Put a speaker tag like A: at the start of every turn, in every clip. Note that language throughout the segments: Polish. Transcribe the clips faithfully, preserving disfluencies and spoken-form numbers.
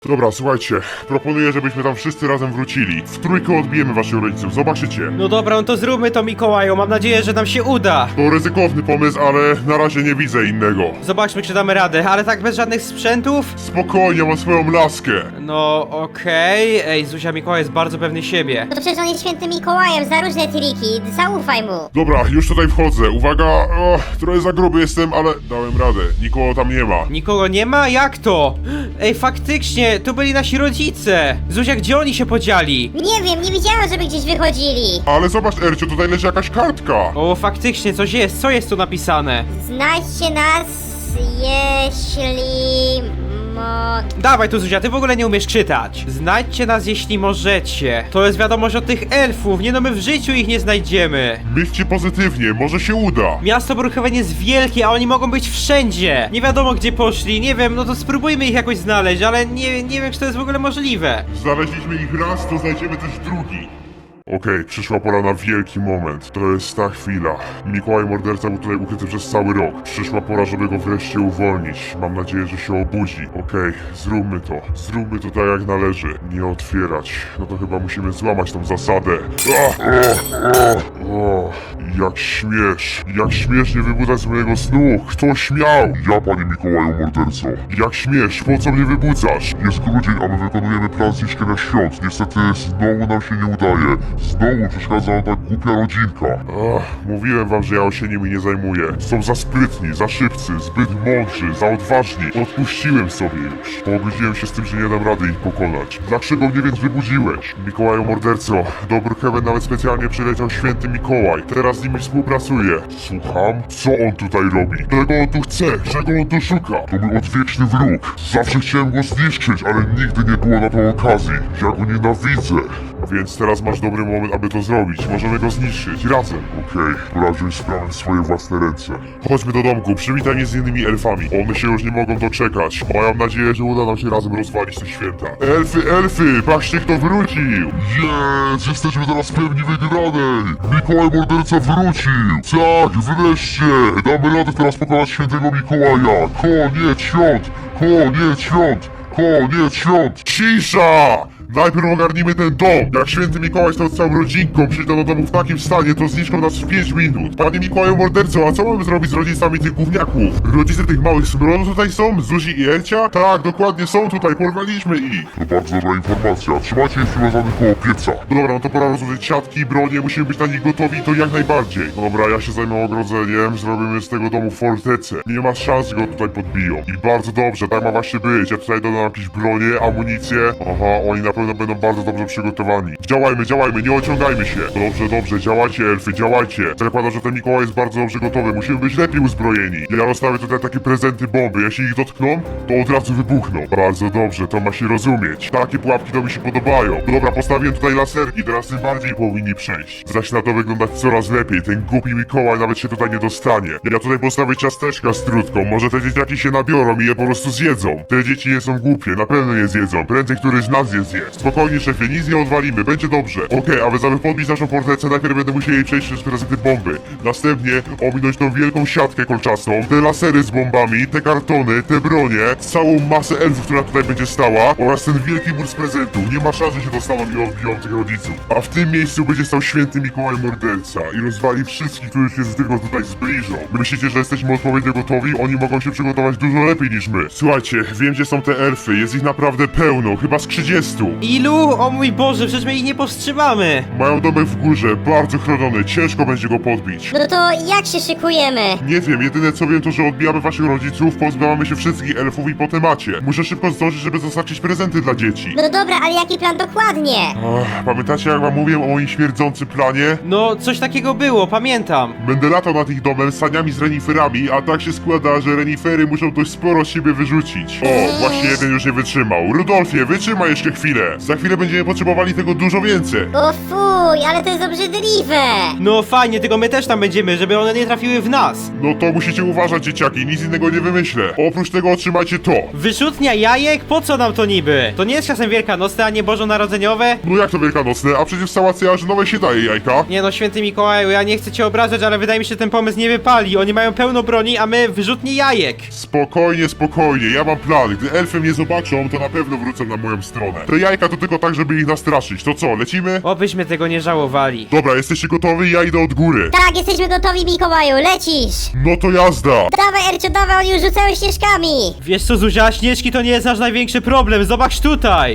A: Dobra, słuchajcie, proponuję, żebyśmy tam wszyscy razem wrócili. W trójkę odbijemy waszych rodziców, zobaczycie.
B: No dobra, no to zróbmy to, Mikołaju, mam nadzieję, że nam się uda.
A: To ryzykowny pomysł, ale na razie nie widzę innego.
B: Zobaczmy, czy damy radę, ale tak bez żadnych sprzętów?
A: Spokojnie, mam swoją laskę.
B: No okej, ej, Zuzia, Mikołaj jest bardzo pewny siebie.
C: No to przecież on jest świętym Mikołajem, za różne triki, zaufaj mu.
A: Dobra, już tutaj wchodzę. Uwaga, o, trochę za gruby jestem, ale dałem radę. Nikogo tam nie ma.
B: Nikogo nie ma? Jak to? Ej, faktycznie, to byli nasi rodzice. Zuzia, gdzie oni się podzieli?
C: Nie wiem, nie widziałem, żeby gdzieś wychodzili.
A: Ale zobacz, Ercio, tutaj leży jakaś kartka.
B: O, faktycznie, coś jest, co jest tu napisane?
C: Znajdźcie nas, jeśli... mo...
B: Dawaj tu, Zuzia, ty w ogóle nie umiesz czytać. Znajdźcie nas, jeśli możecie. To jest wiadomość od tych elfów, nie no, my w życiu ich nie znajdziemy.
A: Myślcie pozytywnie, może się uda.
B: Miasto Brookhaven jest wielkie, a oni mogą być wszędzie. Nie wiadomo, gdzie poszli, nie wiem, no to spróbujmy ich jakoś znaleźć, ale nie, nie wiem, czy to jest w ogóle możliwe.
A: Znaleźliśmy ich raz, to znajdziemy też drugi. Okej, przyszła pora na wielki moment. To jest ta chwila. Mikołaj morderca był tutaj ukryty przez cały rok. Przyszła pora, żeby go wreszcie uwolnić. Mam nadzieję, że się obudzi. Okej, zróbmy to. Zróbmy to tak jak należy. Nie otwierać. No to chyba musimy złamać tą zasadę. Ah, ah, ah, ah. Jak śmiesz. Jak śmiesz nie wybudzać z mojego snu. Kto śmiał? Ja, panie Mikołaju morderco. Jak śmiesz? Po co mnie wybudzasz? Jest grudzień, a my wykonujemy plan zniszczenia świąt. Niestety znowu nam się nie udaje. Znowu przeszkadza nam ta głupia rodzinka. Ach, mówiłem wam, że ja się nimi nie zajmuję. Są za sprytni, za szybcy, zbyt mądrzy, za odważni. Odpuściłem sobie już. Pogodziłem się z tym, że nie dam rady ich pokonać. Dlaczego mnie więc wybudziłeś? Mikołaju morderco, do Brookhaven nawet specjalnie przyleciał święty Mikołaj. Teraz z nimi współpracuję. Słucham? Co on tutaj robi? Czego on tu chce? Czego on tu szuka? To mój odwieczny wróg. Zawsze chciałem go zniszczyć, ale nigdy nie było na to okazji. Ja go nienawidzę. Więc teraz masz dobry moment, aby to zrobić. Możemy go zniszczyć, razem. Okej, pora wziąć sprawę w swoje własne ręce. Chodźmy do domku, przywitaj mnie z innymi elfami. One się już nie mogą doczekać. Mają nadzieję, że uda nam się razem rozwalić te święta. Elfy, elfy, patrzcie kto wrócił! Jest, jesteśmy teraz pewni wygranej! Mikołaj morderca wrócił! Tak, wreszcie! Damy radę teraz pokonać świętego Mikołaja! Koniec świąt! Koniec świąt! Koniec świąt! Cisza! Najpierw ogarnijmy ten dom! Jak święty Mikołaj stał z całą rodzinką, przyjdą do domu w takim stanie, to zniszczą nas w pięć minut. Panie Mikołaju morderco, a co mamy zrobić z rodzicami tych gówniaków? Rodzice tych małych smronów tutaj są? Zuzi i Elcia? Tak, dokładnie są tutaj, porwaliśmy ich. To bardzo dobra informacja, trzymajcie ich przywiązanych koło pieca. Dobra, no to pora rozłożyć siatki i bronie, musimy być na nich gotowi i to jak najbardziej. Dobra, ja się zajmę ogrodzeniem, zrobimy z tego domu fortecę. Nie ma szans, że go tutaj podbiją. I bardzo dobrze, tak ma właśnie być. Ja tutaj dodam jakieś bronie, amunicję. Aha, oni na pewno będą bardzo dobrze przygotowani. Działajmy, działajmy, nie ociągajmy się. Dobrze, dobrze, działajcie elfy, działajcie. Zakładam, że ten Mikołaj jest bardzo dobrze gotowy, musimy być lepiej uzbrojeni. Ja rozstawię tutaj takie prezenty bomby, jeśli ich dotkną, to od razu wybuchną. Bardzo dobrze, to ma się rozumieć. Takie pułapki to mi się podobają. Dobra, postawiłem tutaj laserki, teraz tym bardziej powinni przejść. Zaczyna to wyglądać coraz lepiej, ten głupi Mikołaj nawet się tutaj nie dostanie. Ja tutaj postawię ciasteczka z trutką, może te dzieciaki się nabiorą i je po prostu zjedzą. Te dzieci nie są głupie, na pewno je zjedzą, prędzej któryś z nas je zje. Spokojnie szefie, nic nie odwalimy, będzie dobrze. Okej, okay, aby aby podbić naszą fortecę, najpierw będę musieli przejść przez prezenty bomby. Następnie ominąć tą wielką siatkę kolczastą, te lasery z bombami, te kartony, te bronie, całą masę elfów, która tutaj będzie stała oraz ten wielki mur z prezentów. Nie ma szans, że się dostaną i odbiją tych rodziców. A w tym miejscu będzie stał święty Mikołaj morderca i rozwali wszystkich, którzy się z tylko tutaj zbliżą. Wy myślicie, że jesteśmy odpowiednio gotowi? Oni mogą się przygotować dużo lepiej niż my. Słuchajcie, wiem gdzie są te elfy, jest ich naprawdę pełno, chyba z trzydziestu.
B: Ilu? O mój Boże, przecież my ich nie powstrzymamy.
A: Mają domek w górze, bardzo chroniony, ciężko będzie go podbić.
C: No to jak się szykujemy?
A: Nie wiem, jedyne co wiem to, że odbijamy waszych rodziców, pozbywamy się wszystkich elfów i po temacie. Muszę szybko zdążyć, żeby dostarczyć prezenty dla dzieci.
C: No dobra, ale jaki plan dokładnie?
A: Ach, pamiętacie jak wam mówiłem o moim śmierdzącym planie?
B: No, coś takiego było, pamiętam.
A: Będę latał nad ich domem saniami z reniferami, a tak się składa, że renifery muszą dość sporo z siebie wyrzucić. O, właśnie jeden już nie wytrzymał. Rudolfie, wytrzymaj jeszcze chwilę. Za chwilę będziemy potrzebowali tego dużo więcej.
C: O fuj, ale to jest obrzydliwe.
B: No fajnie, tylko my też tam będziemy, żeby one nie trafiły w nas.
A: No to musicie uważać, dzieciaki, nic innego nie wymyślę. Oprócz tego otrzymajcie to.
B: Wyrzutnia jajek? Po co nam to niby? To nie jest czasem wielkanocne, a nie bożonarodzeniowe?
A: No jak to wielkanocne, a przecież w sałacie jarzynowej się daje jajka.
B: Nie no, święty Mikołaju, ja nie chcę cię obrażać, ale wydaje mi się, że ten pomysł nie wypali. Oni mają pełno broni, a my wyrzutnie jajek.
A: Spokojnie, spokojnie, ja mam plan. Gdy elfy mnie zobaczą, to na pewno wrócą na moją stronę. Te jajka to tylko tak, żeby ich nastraszyć. To co, lecimy?
B: Obyśmy tego nie żałowali.
A: Dobra, jesteście gotowi? Ja idę od góry.
C: Tak, jesteśmy gotowi, Mikołaju, lecisz.
A: No to jazda.
C: Dawaj, Ercio, dawaj, oni już rzucają śnieżkami.
B: Wiesz co, Zuzia, śnieżki to nie jest nasz największy problem, zobacz tutaj.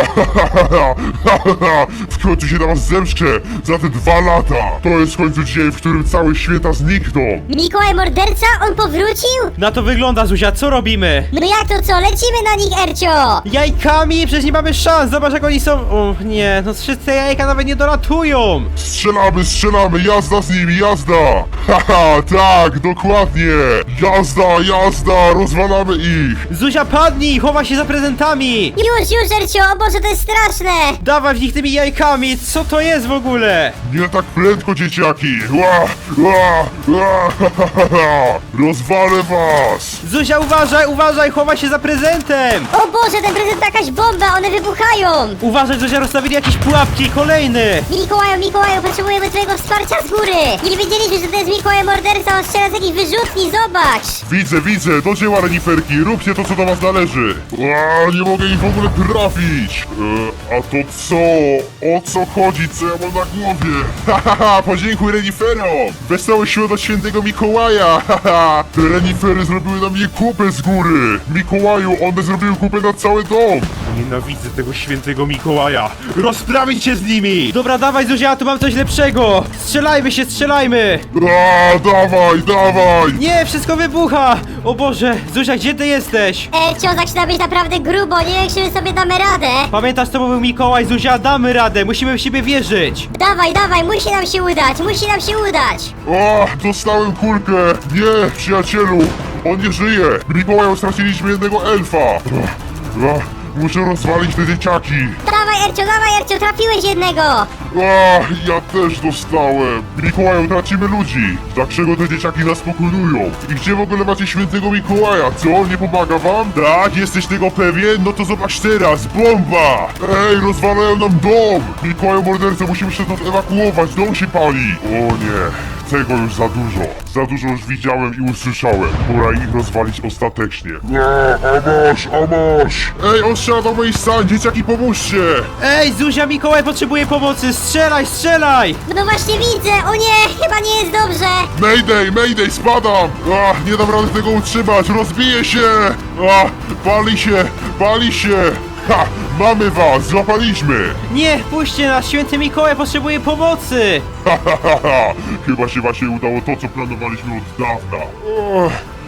A: W końcu się na was zemszczę za te dwa lata. To jest w końcu dzień, w którym całe święta znikną.
C: Mikołaj morderca, on powrócił?
B: Na to wygląda, Zuzia, co robimy?
C: No jak to co, lecimy na nich, Ercio.
B: Jajkami? Przecież nie mamy szans, zobacz jak oni są... O nie, no wszyscy te jajka nawet nie dolatują.
A: Strzelamy, strzelamy, jazda z nimi, jazda. Haha, tak, dokładnie. Jazda, jazda, rozwalamy ich.
B: Zuzia, padnij, chowa się za prezentami.
C: Już, już, Ercio, o Boże, to jest straszne.
B: Dawaj w nich tymi jajkami, co to jest w ogóle?
A: Nie tak prędko, dzieciaki. Ła, ła, ła, ha, ha, ha, ha. Rozwalę was.
B: Zuzia, uważaj, uważaj, chowa się za prezentem.
C: O Boże, ten prezent to jakaś bomba, one wybuchają.
B: Uważaj, Zuzia, rozstawili jakieś pułapki, kolejny.
C: Mikołaju, Mikołaju, potrzebujemy twojego wsparcia z góry. Nie wiedzieliśmy, że to jest Mikołaj morderca, on strzela z jakiejś wyrzutni, zobacz.
A: Widzę, widzę, do dzieła, reniferki, róbcie to, co do was należy. Ła, nie mogę ich w ogóle trafić. E, a to co? O co chodzi? Co ja mam na głowie? Hahaha, podziękuj reniferom. Wesoły świąt od świętego Mikołaja. Haha, te renifery zrobiły na mnie kupę z góry. Mikołaju, one zrobiły kupę na cały dom.
D: Nienawidzę tego świętego Mikołaja! Rozprawić się z nimi!
B: Dobra, dawaj, Zuzia, tu mam coś lepszego. Strzelajmy się, strzelajmy.
A: A, dawaj, dawaj.
B: Nie, wszystko wybucha. O Boże, Zuzia, gdzie ty jesteś?
C: Ercio, zaczyna być naprawdę grubo, nie wiem, czy my sobie damy radę.
B: Pamiętasz, to był Mikołaj, Zuzia, damy radę, musimy w siebie wierzyć.
C: Dawaj, dawaj, musi nam się udać, musi nam się udać.
A: O, dostałem kulkę. Nie, przyjacielu, on nie żyje. Mikołaju, straciliśmy jednego elfa. Ach, ach, muszę rozwalić te dzieciaki.
C: Dawaj, Ercio, dawaj, Ercio, trafiłeś jednego.
A: Ach, ja też dostałem. Mikołaju, tracimy ludzi. Dlaczego te dzieciaki nas pokonują? I gdzie w ogóle macie świętego Mikołaja? Co, nie pomaga wam? Tak, jesteś tego pewien? No to zobacz teraz, bomba! Ej, rozwalają nam dom! Mikołaju morderca, musimy się stąd ewakuować, dom się pali! O nie. Tego już za dużo. Za dużo już widziałem i usłyszałem. Pora ich rozwalić ostatecznie. A, a masz, a masz! Ej, on strzela do moich stan, dzieciaki, pomóżcie!
B: Ej, Zuzia, Mikołaj potrzebuje pomocy, strzelaj, strzelaj!
C: No właśnie widzę, o nie, chyba nie jest dobrze.
A: Mayday, mayday, spadam! Ach, nie dam rady tego utrzymać, rozbiję się! Ach, pali się, pali się! Ha, mamy was, złapaliśmy!
B: Nie, puśćcie nas, święty Mikołaj potrzebuje pomocy!
A: Ha, ha, ha, ha. Chyba się właśnie udało to, co planowaliśmy od dawna. O,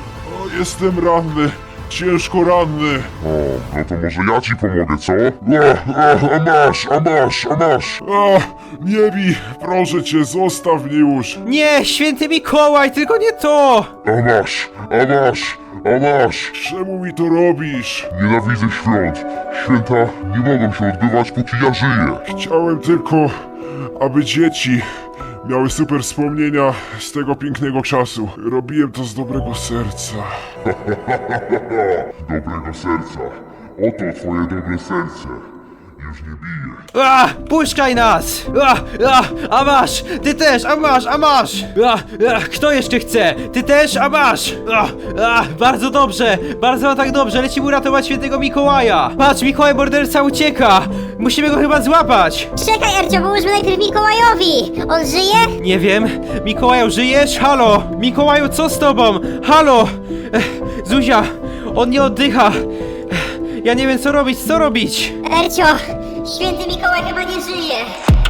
A: o, jestem ranny, ciężko ranny. O, no to może ja ci pomogę, co? A, a, a masz, a masz, a masz! A, nie bij, proszę cię, zostaw mnie już!
B: Nie, święty Mikołaj, tylko nie to!
A: A masz, a masz, a masz! Czemu mi to robisz? Nienawidzę świąt. Święta nie mogą się odbywać, póki ja żyję. Chciałem tylko, aby dzieci miały super wspomnienia z tego pięknego czasu. Robiłem to z dobrego serca. Dobrego serca. Oto twoje dobre serce. Już nie bije.
B: A, puszczaj nas! A, a, a masz! Ty też, a masz, a masz! A, a, kto jeszcze chce? Ty też, a masz! A, a, bardzo dobrze, bardzo tak dobrze, lecimy uratować świętego Mikołaja! Patrz, Mikołaj morderca ucieka! Musimy go chyba złapać!
C: Czekaj, Ercio, pomóżmy najpierw Mikołajowi. On żyje?
B: Nie wiem, Mikołaju, żyjesz? Halo! Mikołaju, co z tobą? Halo! Ech, Zuzia, on nie oddycha! Ech, ja nie wiem co robić, co robić!
C: Ercio, święty Mikołaj chyba nie żyje.